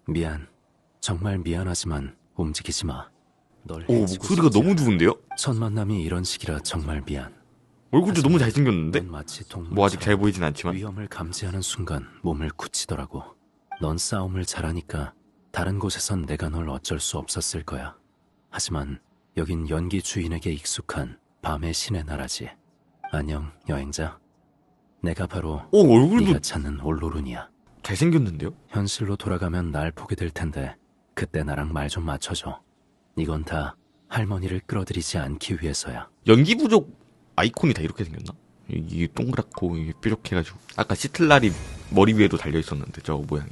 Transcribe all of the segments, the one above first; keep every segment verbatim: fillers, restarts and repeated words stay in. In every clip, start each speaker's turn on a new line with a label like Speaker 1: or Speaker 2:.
Speaker 1: 미안. 정말 미안하지만 움직이지 마. 널
Speaker 2: 오,
Speaker 1: 해치고
Speaker 2: 목소리가
Speaker 1: 싶지
Speaker 2: 너무
Speaker 1: 않아.
Speaker 2: 좋은데요?
Speaker 1: 첫 만남이 이런 식이라 정말 미안.
Speaker 2: 얼굴도 너무
Speaker 1: 하지만
Speaker 2: 잘생겼는데?
Speaker 1: 넌 마치 동물처럼
Speaker 2: 뭐 아직 잘 보이진 않지만.
Speaker 1: 위험을 감지하는 순간 몸을 굳히더라고. 넌 싸움을 잘하니까 다른 곳에선 내가 널 어쩔 수 없었을 거야. 하지만 여긴 연기 주인에게 익숙한 밤의 신의 나라지. 안녕, 여행자. 내가 바로
Speaker 2: 오, 얼굴도
Speaker 1: 네가 찾는 올로룬이야.
Speaker 2: 잘생겼는데요?
Speaker 1: 현실로 돌아가면 날 보게 될 텐데 그때 나랑 말 좀 맞춰줘. 이건 다 할머니를 끌어들이지 않기 위해서야.
Speaker 2: 연기 부족 아이콘이 다 이렇게 생겼나? 이게 동그랗고 이게 뾰족해가지고 아까 시틀날이 머리 위에도 달려있었는데 저거 모양이.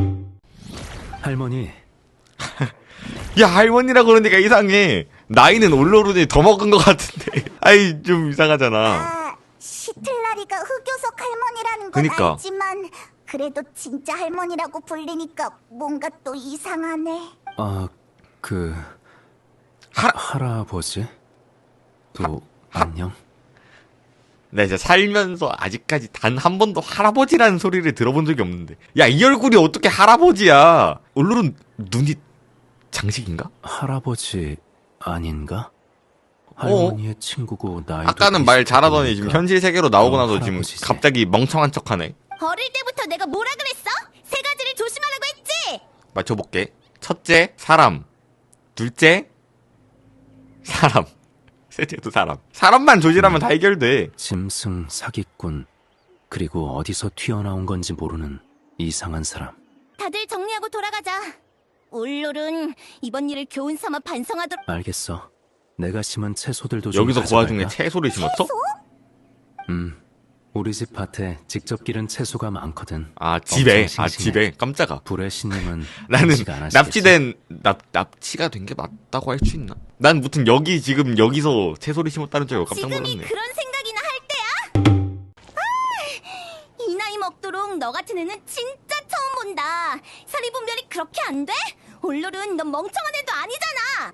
Speaker 1: 할머니,
Speaker 2: 야, 할머니라고 그러니까 이상해. 나이는 올로룬이 더 먹은 것 같은데. 아이, 좀 이상하잖아.
Speaker 3: 아, 시틀라리가 흑요석 할머니라는 건
Speaker 2: 그니까.
Speaker 3: 알지만 그래도 진짜 할머니라고 불리니까 뭔가 또 이상하네.
Speaker 1: 아, 그...
Speaker 2: 하-
Speaker 1: 할아버지? 또 안녕?
Speaker 2: 나 진짜 살면서 아직까지 단 한 번도 할아버지라는 소리를 들어본 적이 없는데. 야, 이 얼굴이 어떻게 할아버지야? 올로룬 눈이 장식인가?
Speaker 1: 할아버지 아닌가? 할머니의 친구고 나이도
Speaker 2: 아까는 말 잘하더니 지금
Speaker 1: 비슷하니까.
Speaker 2: 현실 세계로 나오고
Speaker 1: 어,
Speaker 2: 나서 지금
Speaker 1: 할아버지지.
Speaker 2: 갑자기 멍청한 척하네.
Speaker 3: 어릴 때부터 내가 뭐라 그랬어? 세 가지를 조심하라고 했지?
Speaker 2: 맞춰볼게. 첫째, 사람. 둘째, 사람. 셋째도 사람. 사람만 조심하면 다 해결돼.
Speaker 1: 짐승 사기꾼, 그리고 어디서 튀어나온 건지 모르는 이상한 사람.
Speaker 3: 다들 정리하고 돌아가자. 올롤은 이번 일을 교훈 삼아 반성하도록.
Speaker 1: 알겠어. 내가 심은 채소들도 좀
Speaker 2: 여기서 그 와중에
Speaker 1: 가져갈까?
Speaker 2: 채소를 심었어?
Speaker 1: 음, 우리 집 밭에 직접 기른 채소가 많거든.
Speaker 2: 아, 집에.
Speaker 1: 엄청
Speaker 2: 아,
Speaker 1: 싱싱해.
Speaker 2: 집에. 깜짝아.
Speaker 1: 불의 신님은
Speaker 2: 나는
Speaker 1: 음식 안 하시겠지?
Speaker 2: 납치된, 납, 납치가 된 게 맞다고 할 수 있나? 난 무튼 여기 지금 여기서 채소를 심었다는 줄 알고 깜짝
Speaker 3: 지금이
Speaker 2: 놀랐네.
Speaker 3: 그런 생각이나 할 때야? 아, 이 나이 먹도록 너 같은 애는 진짜 처음 본다. 사리 분별이 그렇게 안 돼? 올롤은 넌 멍청한 애도 아니잖아.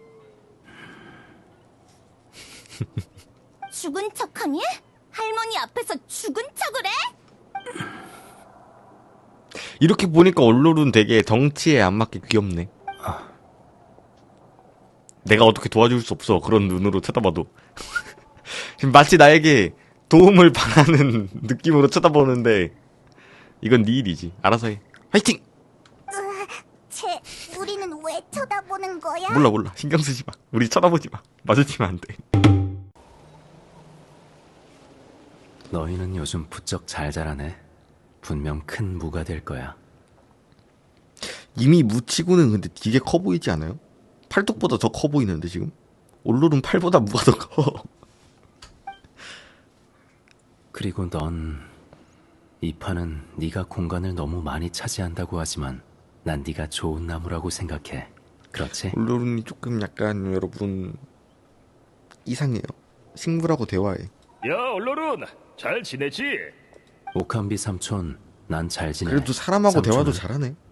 Speaker 3: 죽은 척하니? 할머니 앞에서 죽은 척을 해?
Speaker 2: 이렇게 보니까 얼롤은 되게 덩치에 안 맞게 귀엽네. 내가 어떻게 도와줄 수 없어. 그런 눈으로 쳐다봐도. 지금 마치 나에게 도움을 바라는 느낌으로 쳐다보는데 이건 네 일이지. 알아서 해. 화이팅!
Speaker 3: 쟤, 우리는 왜 쳐다보는 거야?
Speaker 2: 몰라 몰라. 신경 쓰지 마. 우리 쳐다보지 마. 마주치면 안 돼.
Speaker 1: 너희는 요즘 부쩍 잘 자라네. 분명 큰 무가 될 거야.
Speaker 2: 이미 무치고는 근데 되게 커 보이지 않아요? 팔뚝보다 더 커 보이는데 지금? 올롤은 팔보다 무가 더 커.
Speaker 1: 그리고 넌 이 판은 네가 공간을 너무 많이 차지한다고 하지만 난 네가 좋은 나무라고 생각해. 그렇지?
Speaker 2: 올롤은 조금 약간 여러분 이상해요. 식물하고 대화해.
Speaker 4: 야, 얼로룬 잘 지내지?
Speaker 1: 오캄비 삼촌, 난 잘 지내.
Speaker 2: 그래도 사람하고
Speaker 1: 삼촌은
Speaker 2: 대화도 잘하네.